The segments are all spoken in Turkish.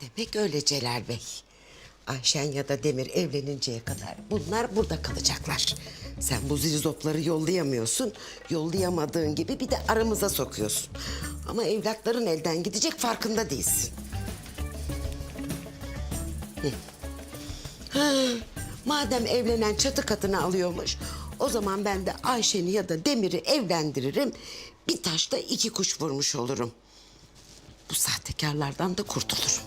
Demek öyle Celal Bey. Ayşen ya da Demir evleninceye kadar bunlar burada kalacaklar. Sen bu zirzopları yollayamıyorsun. Yollayamadığın gibi bir de aramıza sokuyorsun. Ama evlatların elden gidecek, farkında değilsin. Ha, madem evlenen çatı katını alıyormuş, o zaman ben de Ayşen'i ya da Demir'i evlendiririm. Bir taşla iki kuş vurmuş olurum. Bu sahtekarlardan da kurtulurum.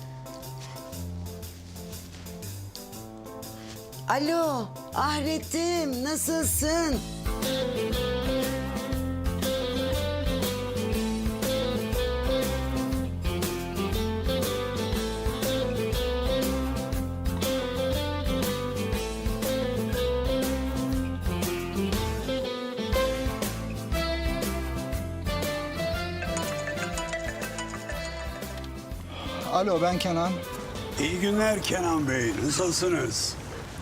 Alo, Ahret'im, nasılsın? Alo, ben Kenan. İyi günler Kenan Bey, nasılsınız?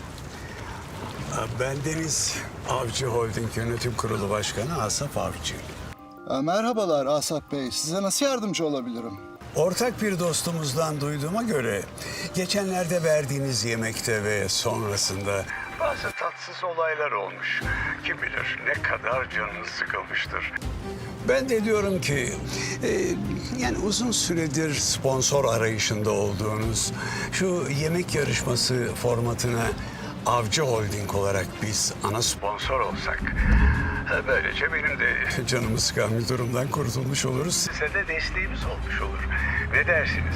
Ben Deniz Avcı Holding Yönetim Kurulu Başkanı Asaf Avcı. Merhabalar Asaf Bey. Size nasıl yardımcı olabilirim? Ortak bir dostumuzdan duyduğuma göre geçenlerde verdiğiniz yemekte ve sonrasında bazı tatsız olaylar olmuş. Kim bilir ne kadar canınız sıkılmıştır. Ben de diyorum ki yani uzun süredir sponsor arayışında olduğunuz şu yemek yarışması formatına Avcı Holding olarak biz ana sponsor olsak, böylece benim de canımı sıkan bir durumdan kurtulmuş oluruz. Size de desteğimiz olmuş olur. Ne dersiniz?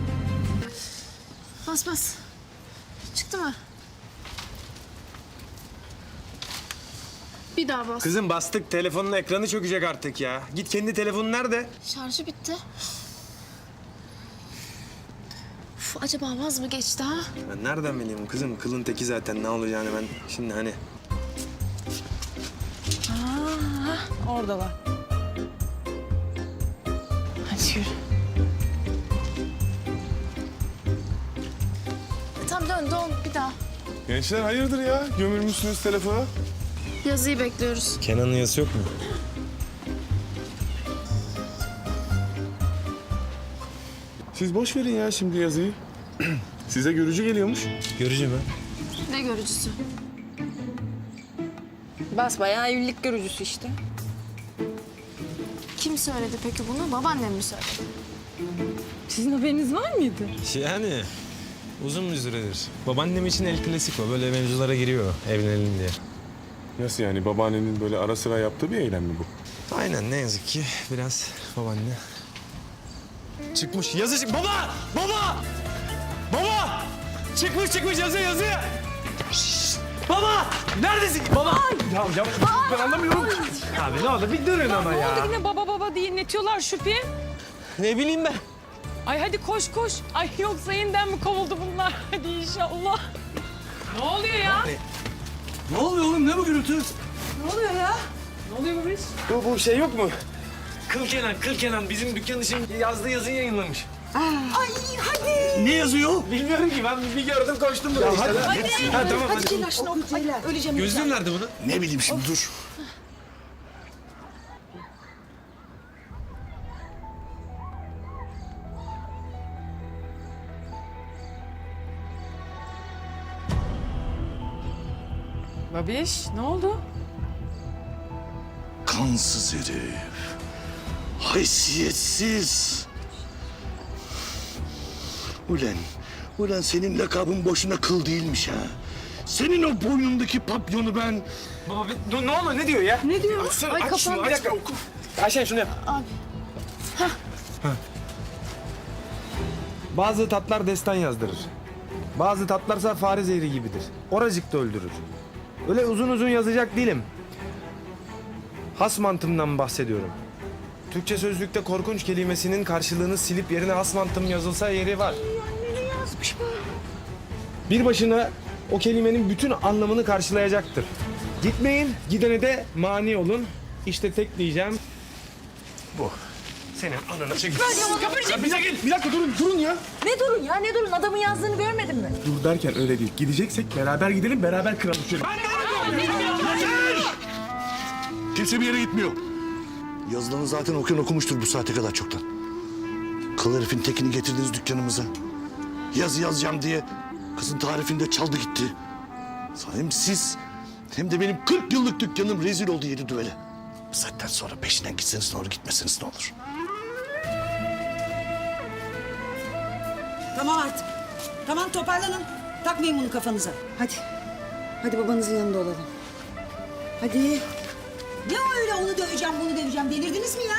Bas bas. Çıktı mı? Bir daha bas. Kızım bastık, telefonun ekranı çökecek artık ya. Git kendi telefonun nerede? Şarjı bitti. Uf, acaba vaz mı geçti ha? Ben nereden bileyim kızım? Kılın teki zaten, ne olacağını ben şimdi hani... Oradalar. Hadi yürü. Tamam dön bir daha. Gençler hayırdır ya? Gömülmüşsünüz telefona. Yazıyı bekliyoruz. Kenan'ın yazısı yok mu? Siz boş verin ya şimdi yazıyı. Size görücü geliyormuş. Görücü mü? Ne görücüsü? Basbayağı evlilik görücüsü işte. Kim söyledi peki bunu? Babaannem mi söyledi? Sizin haberiniz var mıydı? Yani uzun bir süredir. Babaannem için el klasiko. Böyle mevzulara giriyor evlenelim diye. Nasıl yani? Babaannenin böyle ara sıra yaptığı bir eylem mi bu? Aynen, ne yazık ki biraz babaanne. Çıkmış yazı Baba! Baba! Baba! Çıkmış yazı! Şşş! Baba! Neredesin? Baba! Ya ben anlamıyorum. Abi ne oldu? Bir durun ama Ne ya. oldu yine baba diye inletiyorlar Şüphi? Ne bileyim ben. Ay hadi koş. Ay yoksa yeniden mi kovuldu bunlar? Hadi inşallah. Ne oluyor ya? Ne oluyor oğlum? Ne bu gürültü? Ne oluyor ya? Ne oluyor bu iş? Bu şey yok mu? Kıl Kenan bizim dükkan için yazdığı yazıyı yayınlamış. Ne yazıyor? Bilmiyorum ki, ben bir gördüm koştum buraya işte. Hadi. Ha, tamam hadi. Celal şunu oku. Ay, öleceğim. Gözlüğüm nerede bunun? Ne bileyim şimdi dur. Babiş ne oldu? Kansız herif. Haysiyetsiz. Ulan senin lakabın boşuna kıl değilmiş ha. Senin o boynundaki papyonu ben... Baba ne oluyor? Ne diyor ya? Ne diyor? Açsana, Ay aç şunu, kafam. bir dakika oku. Ayşen şunu yap. Abi. Bazı tatlar destan yazdırır. Bazı tatlarsa fare zehri gibidir. Oracıkta öldürür. Öyle uzun yazacak değilim. Has mantımdan bahsediyorum. Türkçe sözlükte korkunç kelimesinin karşılığını silip yerine has mantım yazılsa yeri var. Yazmış bu. Bir başına o kelimenin bütün anlamını karşılayacaktır. Gitmeyin, gidene de mani olun. İşte tek diyeceğim bu. Senin ananı çek. Bir dakika durun ya. Ne durun ya ne durun? Adamın yazdığını görmedin mi? Dur derken öyle değil. Gideceksek beraber gidelim, beraber kıralım şöyle. Kimse bir yere gitmiyor. Yazılanı zaten okuyan okumuştur bu saate kadar çoktan. Kıl Kıl herifin tekini getirdiniz dükkanımıza. Yazı yazacağım diye kızın tarifini de çaldı gitti. Hem siz hem de benim 40 yıllık dükkanım rezil oldu yedi düvele. Bu saatten sonra peşinden gitseniz ne olur, gitmeseniz ne olur? Tamam artık. Tamam toparlanın. Takmayın bunu kafanıza. Hadi. Hadi babanızın yanında olalım. Hadi. Ne o öyle onu döveceğim bunu döveceğim delirdiniz mi ya?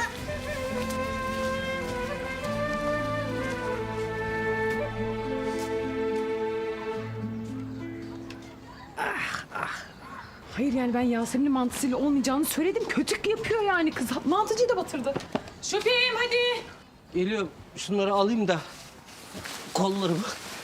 Hayır yani ben Yasemin'in mantısıyla olmayacağını söyledim. Kötük yapıyor yani kız. Mantıcıyı da batırdı. Şüpheyim hadi. Geliyorum. Şunları alayım da kollarımı.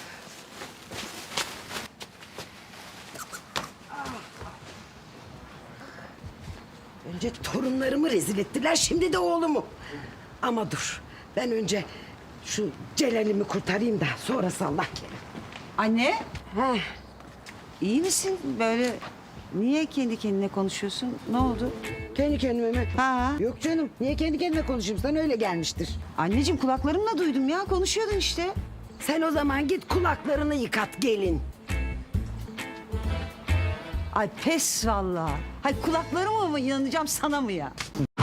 Önce torunlarımı rezil ettiler, şimdi de oğlumu. Ama dur, ben önce şu Celal'imi kurtarayım da sonrası Allah kerim. Anne. Heh. İyi misin? Böyle niye kendi kendine konuşuyorsun? Ne oldu? Kendi kendime mi? Ha. Yok canım, niye kendi kendime konuşayım? Sana öyle gelmiştir. Anneciğim kulaklarımla duydum ya. Konuşuyordun işte. Sen o zaman git kulaklarını yıkat gelin. Ay pes vallahi. Hay kulaklarıma mı inanacağım sana mı ya?